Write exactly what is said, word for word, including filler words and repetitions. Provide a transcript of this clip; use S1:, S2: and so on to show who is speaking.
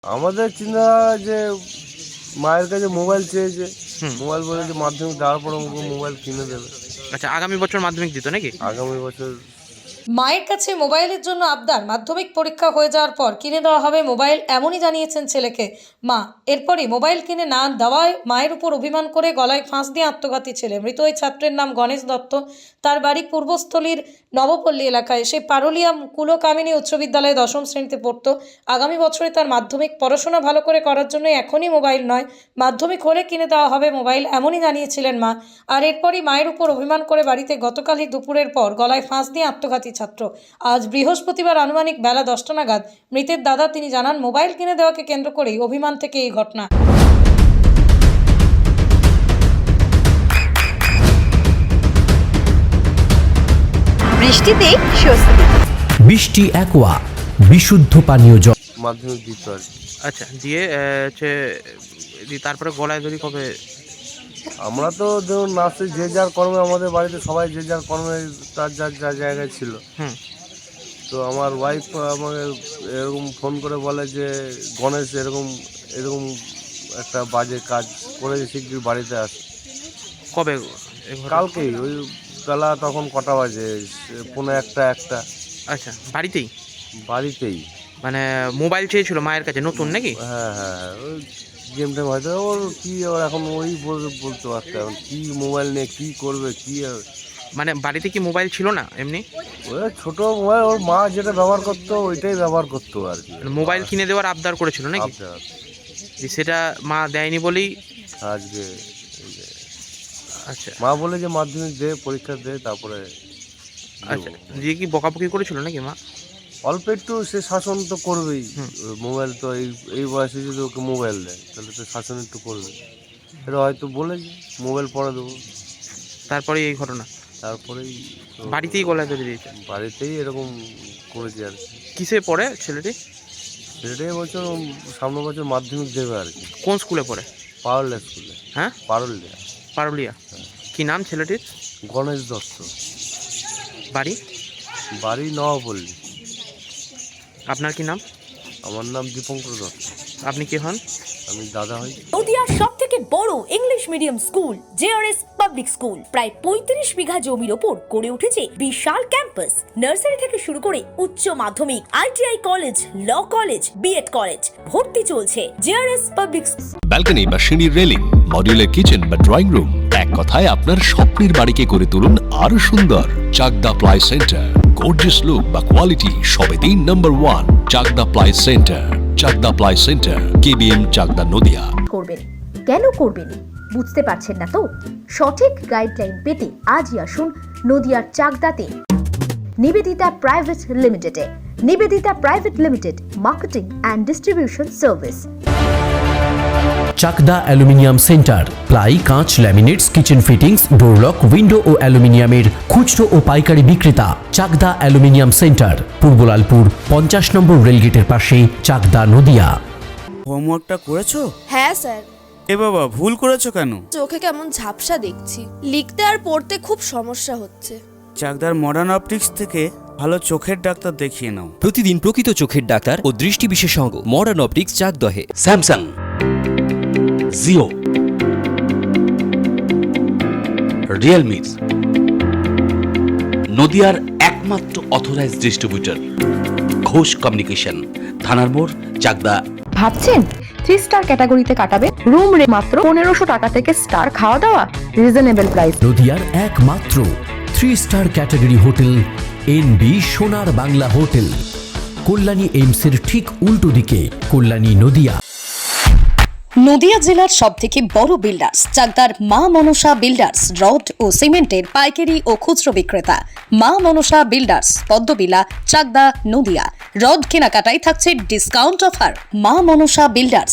S1: আমাদের চিন্তা যে মায়ের কাছে মোবাইল চেয়েছে, মোবাইল বলে যে মাধ্যমিক দেওয়ার পর মোবাইল কিনে দেবে।
S2: আচ্ছা, আগামী বছর মাধ্যমিক দিত নাকি?
S1: আগামী বছর
S3: মায়ের কাছে মোবাইলের জন্য আবদার, মাধ্যমিক পরীক্ষা হয়ে যাওয়ার পর কিনে দেওয়া হবে মোবাইল, এমনই জানিয়েছেন ছেলেকে মা। এরপরই মোবাইল কিনে না দেওয়ায় মায়ের উপর অভিমান করে গলায় ফাঁস দিয়ে আত্মঘাতী ছেলে। মৃত ওই ছাত্রের নাম গণেশ দত্ত। তার বাড়ি পূর্বস্থলীর নবপল্লী এলাকায়। সে পারুলিয়া কুলকামিনী উচ্চ বিদ্যালয়ে দশম শ্রেণীতে পড়ত। আগামী বছরে তার মাধ্যমিক। পড়াশোনা ভালো করে করার জন্য এখনই মোবাইল নয়, মাধ্যমিক হলে কিনে দেওয়া হবে মোবাইল, এমনই জানিয়েছিলেন মা। আর এরপরই মায়ের উপর অভিমান করে বাড়িতে গতকালই দুপুরের পর গলায় ফাঁস দিয়ে আত্মঘাতী ছাত্র। আজ বৃহস্পতিবার আনুমানিক বেলা দশটা নাগাদ মৃতের দাদা তিনি জানান, মোবাইল কিনে দেওয়াকে কেন্দ্র করেই অভিমান থেকে এই ঘটনা।
S4: বৃষ্টিতে স্বস্তি।
S5: বৃষ্টি অ্যাকোয়া বিশুদ্ধ পানীয় জল।
S1: মাধ্যমিক দিত আর কি।
S2: আচ্ছা, দিয়ে আহ, হচ্ছে দিয়ে তারপরে গলায় ধরি কবে?
S1: আমরা তো ধরুন নাচে যে যার কর্মে, আমাদের বাড়িতে সবাই যে যার কর্মে তার যার যা জায়গায় ছিল।
S2: হুম
S1: তো আমার ওয়াইফ আমাকে এরকম ফোন করে বলে যে গণেশ এরকম এরকম একটা বাজে কাজ করেছে, শিগগির বাড়িতে আসে।
S2: কবে এ ঘটনা?
S1: কালকেই ওই বেলা তখন কটা বাজে, পৌনে একটা একটা
S2: আচ্ছা, বাড়িতেই
S1: বাড়িতেই।
S2: মানে মোবাইল চেয়েছিল মায়ের কাছে, নতুন নাকি?
S1: হ্যাঁ হ্যাঁ হ্যাঁ ওই গেম টেম হয়তো ওর কী, ওর এখন ওই বল- বলতে পারছে এখন কী মোবাইল নিয়ে কী করবে কী।
S2: মানে বাড়িতে কি মোবাইল ছিল না এমনি?
S1: ওই ছোটো মোবাইল ওর মা যেটা ব্যবহার করতো ওইটাই ব্যবহার করতো আর কি।
S2: মানে মোবাইল কিনে দেওয়ার আবদার করেছিল নাকি?
S1: আবদার।
S2: যে সেটা মা দেয়নি বলেই।
S1: আজকে এই যে
S2: আচ্ছা
S1: মা বলে যে মাধ্যমিক দে, পরীক্ষা দে, তারপরে
S2: আচ্ছা,
S1: দেবো।
S2: দিয়ে কি বকাবকি করেছিল নাকি মা?
S1: অল্প একটু সে শাসন তো করবেই।
S2: হুম।
S1: মোবাইল তো এই এই বয়সে যদি ওকে মোবাইল দেয় তাহলে তো শাসন একটু করবে। এটা হয়তো বলেছে মোবাইল পরে দেবো,
S2: তারপরে এই ঘটনা
S1: তারপরেই তো
S2: বাড়িতেই গলায় ধরে দিয়েছে।
S1: বাড়িতেই এরকম করেছে আর কি।
S2: কিসে পড়ে ছেলেটি?
S1: সেটাই বছর সামনে বছর মাধ্যমিক দেবে আর কি।
S2: কোন স্কুলে পড়ে?
S1: পারুলিয়া স্কুলে।
S2: হ্যাঁ,
S1: পারুলিয়া।
S2: পারুলিয়া। কি নাম ছেলেটির?
S1: গণেশ দত্ত।
S2: বাড়ি?
S1: বাড়ি নবপল্লী।
S2: আপনার কি নাম?
S1: আমার নাম দীপঙ্কর দত্ত।
S2: আপনি কে হন?
S1: আমি দাদা হই।
S6: নদিয়ার সব থেকে বড় English medium school JRS public school প্রায় পঁয়ত্রিশ বিঘা জমির ওপর গড়ে উঠেছে বিশাল ক্যাম্পাস। নার্সারি থেকে শুরু করে উচ্চ মাধ্যমিক, ITI college, law college, BEd college, ভর্তি চলছে জেআরএস পাবলিক।
S7: ব্যালকনি বা সিঁড়ির রেলিং, মডিউলার কিচেন বা ড্রয়িং রুম, এক কথায় আপনার স্বপ্নের বাড়িকে করে তুলুন আরো সুন্দর। Chakdah ply centre, gorgeous look বা কোয়ালিটি সবে তিন number one. Chakdah ply centre, Chakdah ply centre, KBM, Chakdah, Nadia.
S4: করবেন কেন করবেন বুঝতে পারছেন না তো? সঠিক গাইডলাইন পেতে আজই আসুন নদিয়ার চাকদাতে নিবেদিতা প্রাইভেট লিমিটেডে। Nivedita private limited, marketing and distribution service.
S5: Chakdah aluminium centre, ply, কাঁচ, laminates, kitchen fittings, door lock, window ও অ্যালুমিনিয়ামের খুচরো ও পাইকারি বিক্রেতা। চাকদা অ্যালুমিনিয়াম সেন্টার, পূর্বলালপুর পঞ্চাশ নম্বর রেলগেটের পাশে, চাকদা, নদিয়া।
S8: হোমওয়ার্কটা করেছো?
S9: হ্যাঁ স্যার।
S8: এ বাবা, ভুল করেছো কেন?
S9: চোখে কেমন ঝাপসা দেখছি, লিখতে আর পড়তে খুব সমস্যা হচ্ছে।
S8: চাকদার মডার্ন অপটিক্স থেকে ভালো চোখের ডাক্তার দেখিয়ে নাও।
S10: প্রতিদিন প্রকৃত চোখের ডাক্তার ও দৃষ্টি বিশেষজ্ঞ মডার্ন অপটিক্স, চাকদহে।
S7: স্যামসাং, জিও, রিয়েলমি, নদিয়ার একমাত্র অথরাইজড ডিস্ট্রিবিউটর ঘোষ কমিউনিকেশন, থানার মোড়, চাকদা।
S4: ভাবছেন থ্রি স্টার ক্যাটাগরিতে কাটাবেন? রুম রে মাত্র পনেরোশো টাকা থেকে স্টার, খাওয়া দাওয়া রিজনেবল প্রাইস।
S5: নদিয়ার একমাত্র three star category hotel N B Sonar Bangla hotel, Kalyani এইমসের ঠিক উল্টো দিকে, কল্যাণী, নদিয়া।
S3: নদিয়া জেলার সব থেকে বড় বিল্ডার্স চাকদার মা মনসা বিল্ডার্স, রড ও সিমেন্টের পাইকারি ও খুচরো বিক্রেতা। মা মনসা বিল্ডার্স, পদ্মবিলা, চাকদা, নদিয়া। রড কেনাকাটায় থাকছে ডিসকাউন্ট অফার। মা মনসা বিল্ডার্স,